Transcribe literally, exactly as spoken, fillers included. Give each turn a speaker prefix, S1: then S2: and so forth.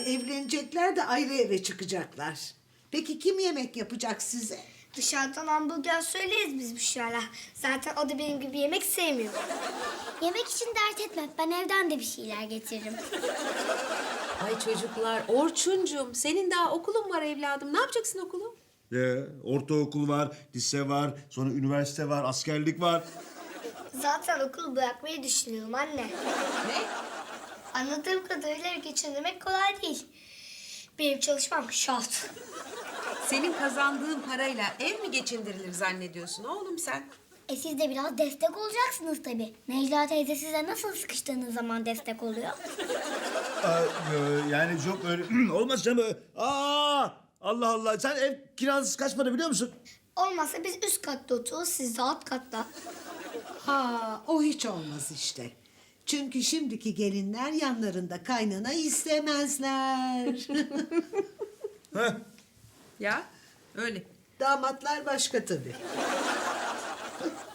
S1: evlenecekler de ayrı eve çıkacaklar. Peki kim yemek yapacak size?
S2: Dışarıdan hamburger söyleriz biz Büşra'yla. Zaten o da benim gibi yemek sevmiyor.
S3: Yemek için dert etme. Ben evden de bir şeyler getiririm.
S4: Ay çocuklar, Orçuncum senin daha okulun var evladım. Ne yapacaksın okulu?
S5: Ee, ortaokul var, lise var, sonra üniversite var, askerlik var.
S2: Zaten okulu bırakmayı düşünüyorum anne.
S4: Ne?
S2: Anladığım kadarıyla ev geçindirmek kolay değil. Benim çalışmam şart.
S4: Senin kazandığın parayla ev mi geçindirilir zannediyorsun oğlum sen?
S3: E siz de biraz destek olacaksınız tabii. Necla teyze size nasıl sıkıştığınız zaman destek oluyor?
S5: Aa, e, yani çok öyle olmaz canım. Aa, Allah Allah. Sen ev kirası kaç para biliyor musun?
S2: Olmazsa biz üst katta otururuz, siz de alt katta.
S1: Ha, o hiç olmaz işte. Çünkü şimdiki gelinler yanlarında kaynana istemezler.
S5: Heh.
S4: Ya öyle.
S1: Damatlar başka tabii.